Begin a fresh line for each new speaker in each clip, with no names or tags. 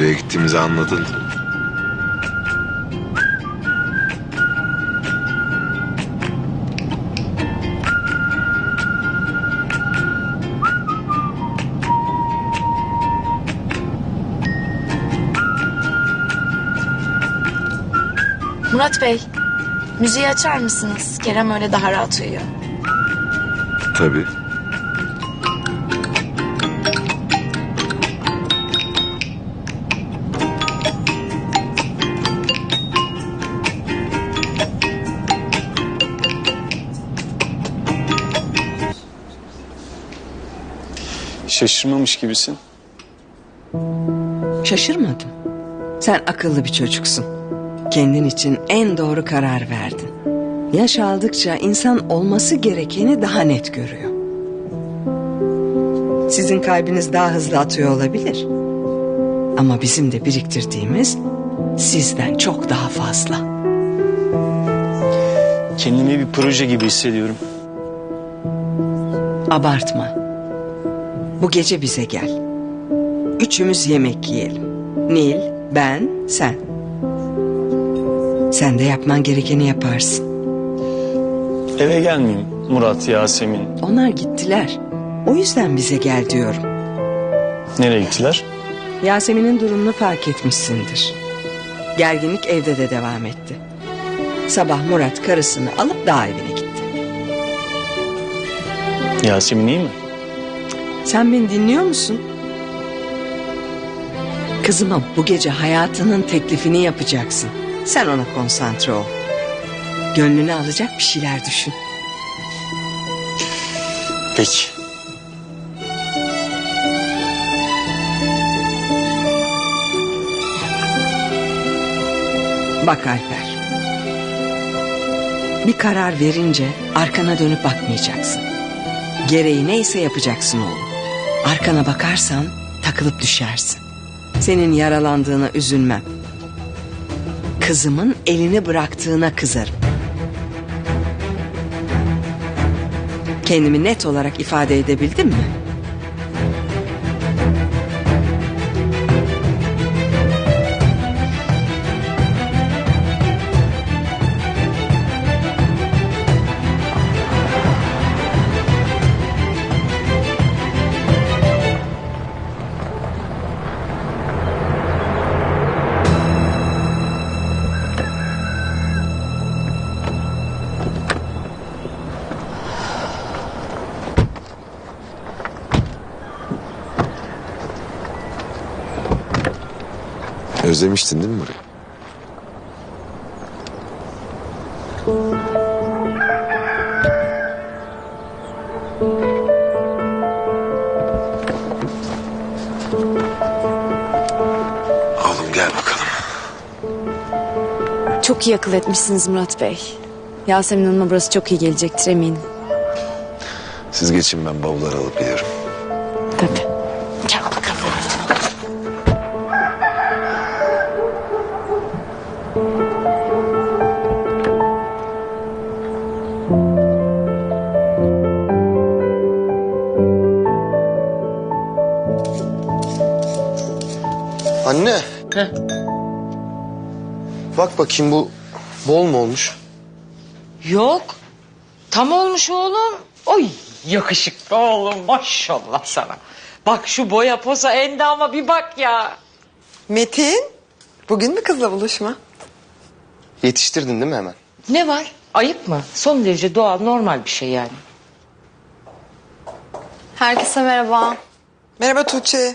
Buraya gittiğimizi anladın.
Murat Bey, müziği açar mısınız? Kerem öyle daha rahat uyuyor.
Tabii.
Şaşırmamış gibisin.
Şaşırmadım. Sen akıllı bir çocuksun. Kendin için en doğru karar verdin. Yaş aldıkça insan olması gerekeni daha net görüyor. Sizin kalbiniz daha hızlı atıyor olabilir. Ama bizim de biriktirdiğimiz sizden çok daha fazla.
Kendimi bir proje gibi hissediyorum.
Abartma. Bu gece bize gel. Üçümüz yemek yiyelim. Nil, ben, sen. Sen de yapman gerekeni yaparsın.
Eve gelmeyeyim Murat, Yasemin.
Onlar gittiler. O yüzden bize gel diyorum.
Nereye gittiler?
Yasemin'in durumunu fark etmişsindir. Gerginlik evde de devam etti. Sabah Murat karısını alıp dağ evine gitti.
Yasemin iyi mi?
Sen beni dinliyor musun? Kızıma bu gece hayatının teklifini yapacaksın. Sen ona konsantre ol. Gönlünü alacak bir şeyler düşün.
Peki.
Bak Alper. Bir karar verince arkana dönüp bakmayacaksın. Gereği neyse yapacaksın oğlum. Arkana bakarsan takılıp düşersin. Senin yaralandığına üzülmem. Kızımın elini bıraktığına kızarım. Kendimi net olarak ifade edebildim mi?
Özlemiştin değil mi burayı? Oğlum gel bakalım.
Çok iyi akıl etmişsiniz Murat Bey. Yasemin Hanım'a burası çok iyi gelecektir eminim.
Siz geçin, ben bavulları alıp geliyorum.
Tabii. Gel bakalım.
Anne. Bak bakayım, bu bol mu olmuş?
Yok. Tam olmuş oğlum. Oy yakışıklı oğlum, maşallah sana. Bak şu boya posa endama bir bak ya.
Metin, bugün mü kızla buluşma?
Yetiştirdin değil mi hemen?
Ne var? Ayıp mı? Son derece doğal, normal bir şey yani.
Herkese merhaba.
Merhaba Tuğçe.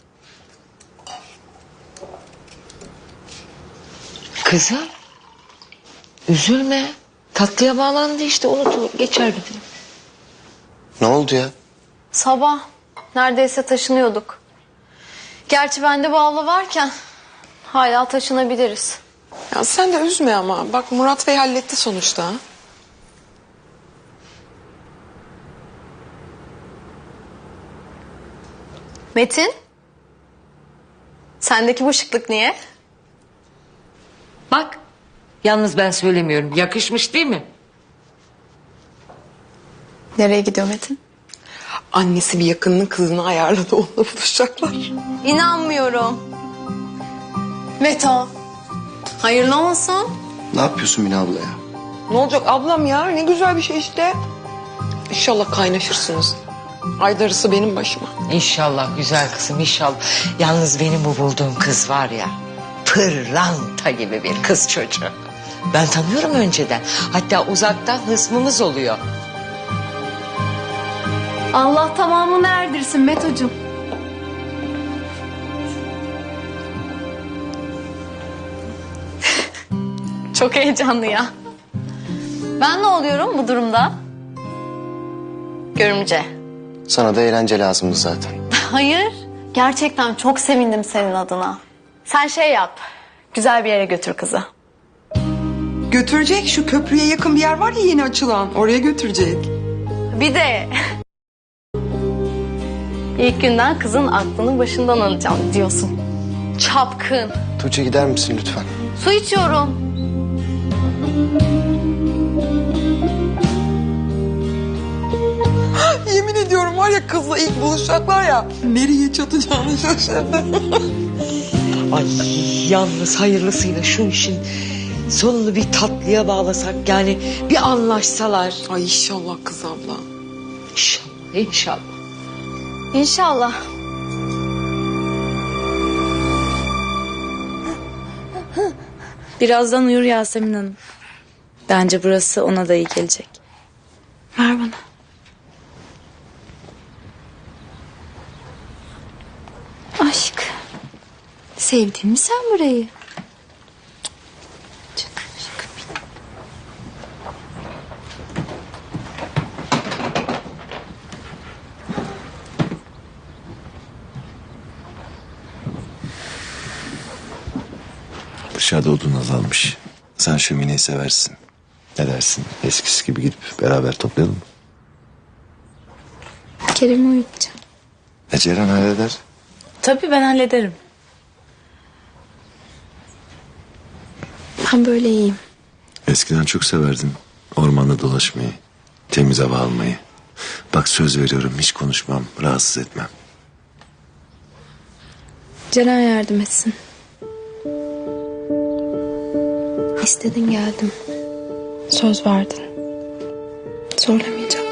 Kızım, üzülme. Tatlıya bağlandı işte, unutulur, geçer bir gün.
Ne oldu ya?
Sabah neredeyse taşınıyorduk. Gerçi bende bu abla varken hala taşınabiliriz.
Ya sen de üzme ama. Bak Murat Bey halletti sonuçta.
Metin, sendeki bu şıklık niye?
Bak, yalnız ben söylemiyorum. Yakışmış değil mi?
Nereye gidiyor Metin?
Annesi bir yakınının kızını ayarladı. Onunla buluşacaklar.
İnanmıyorum. Meto. Hayırlı olsun.
Ne yapıyorsun Mine abla ya?
Ne olacak ablam ya? Ne güzel bir şey işte. İnşallah kaynaşırsınız. Ay darısı benim başıma.
İnşallah güzel kızım inşallah. Yalnız benim bu bulduğum kız var ya, pırlanta gibi bir kız çocuğu. Ben tanıyorum önceden. Hatta uzaktan hısmımız oluyor.
Allah tamamını erdirsin Meto'cum. Çok heyecanlı ya. Ben ne oluyorum bu durumda? Görümce.
Sana da eğlence lazımdı zaten.
Hayır. Gerçekten çok sevindim senin adına. Sen şey yap. Güzel bir yere götür kızı.
Götürecek, şu köprüye yakın bir yer var ya yeni açılan. Oraya götürecek.
Bir de ilk günden kızın aklını başından alacağım diyorsun. Çapkın.
Tuğçe gider misin lütfen?
Su içiyorum.
Yemin ediyorum var ya kızla ilk buluşacaklar ya. Nereye çatacağını şaşırdı.
Ay yalnız hayırlısıyla şu işin sonunu bir tatlıya bağlasak, yani bir anlaşsalar.
Ay inşallah kız abla.
İnşallah, inşallah.
İnşallah.
Birazdan uyur Yasemin Hanım. Bence burası ona da iyi gelecek. Ver bana. Aşk. Sevdin mi sen burayı? Canım aşkım benim.
Dışarıda odun azalmış. Sen şömineyi seversin. Ne dersin? Eskisi gibi gidip beraber toplayalım mı?
Kerem'i uyutacağım.
Ceren halleder.
Tabii ben hallederim. Ben böyle iyiyim.
Eskiden çok severdim ormanda dolaşmayı. Temiz hava almayı. Bak söz veriyorum hiç konuşmam, rahatsız etmem.
Ceren yardım etsin. İstedin geldim. Söz verdin. Zorlamayacağım.